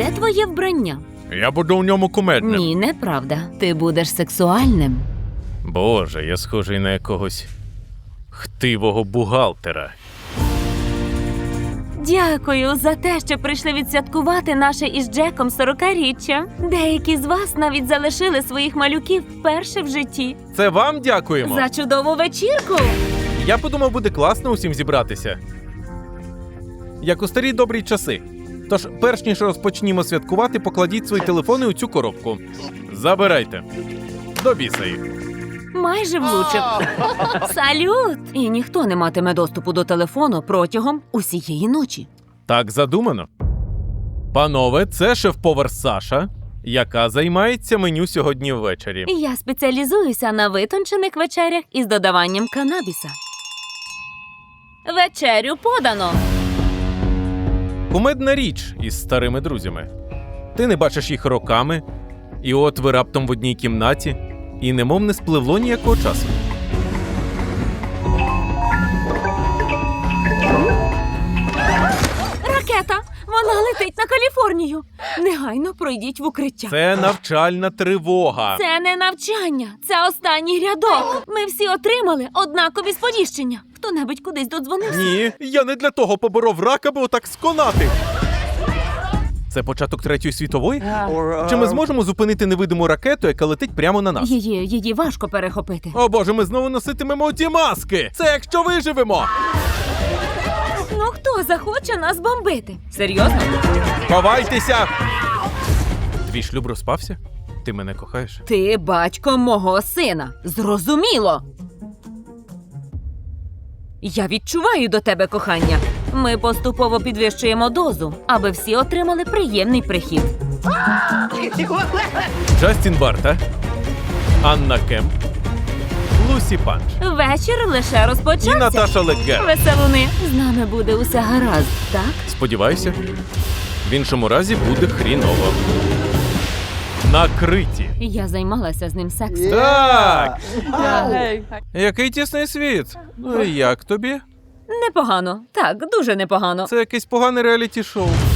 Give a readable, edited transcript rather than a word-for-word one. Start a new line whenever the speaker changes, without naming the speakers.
Де твоє вбрання?
Я буду в ньому кумедним.
Ні, неправда. Ти будеш сексуальним.
Боже, я схожий на якогось хтивого бухгалтера.
Дякую за те, що прийшли відсвяткувати наше із Джеком 40-річчя. Деякі з вас навіть залишили своїх малюків вперше в житті.
Це вам дякуємо.
За чудову вечірку!
Я подумав, буде класно усім зібратися. Як у старі добрі часи. Тож, перш ніж розпочнімо святкувати, покладіть свої телефони у цю коробку. Забирайте. До біса їх.
Майже влучив. Салют! І ніхто не матиме доступу до телефону протягом усієї ночі.
Так задумано. Панове, це шеф-повар Саша, яка займається меню сьогодні ввечері.
Я спеціалізуюся на витончених вечерях із додаванням канабіса. Вечерю подано.
Кумедна річ із старими друзями. Ти не бачиш їх роками, і от ви раптом в одній кімнаті, і немов не спливло ніякого часу.
Ракета! Вона летить на Каліфорнію. Негайно пройдіть в укриття.
Це навчальна тривога.
Це не навчання, це останній рядок. Ми всі отримали однакові сповіщення. Хто-небудь кудись додзвонився?
Ні, я не для того поборов рак, аби отак сконати. Це початок Третьої світової? Чи ми зможемо зупинити невидиму ракету, яка летить прямо на нас?
Її важко перехопити.
О боже, ми знову носитимемо ті маски! Це якщо виживемо!
Ну хто захоче нас бомбити? Серйозно?
Ховайтеся! Твій шлюб розпався? Ти мене кохаєш?
Ти батько мого сина. Зрозуміло. Я відчуваю до тебе кохання. Ми поступово підвищуємо дозу, аби всі отримали приємний прихід.
Джастін Барта, Анна Кемп, Лусі Панч
Вечір лише
і
розпочався.
Наташа Леггер.
Веселуни, з нами буде усе гаразд, так?
Сподіваюся, в іншому разі буде хріново. Накриті.
Я займалася з ним сексом.
Так! Який тісний світ. Ну і як тобі?
Непогано. Так, дуже непогано.
Це якесь погане реаліті-шоу.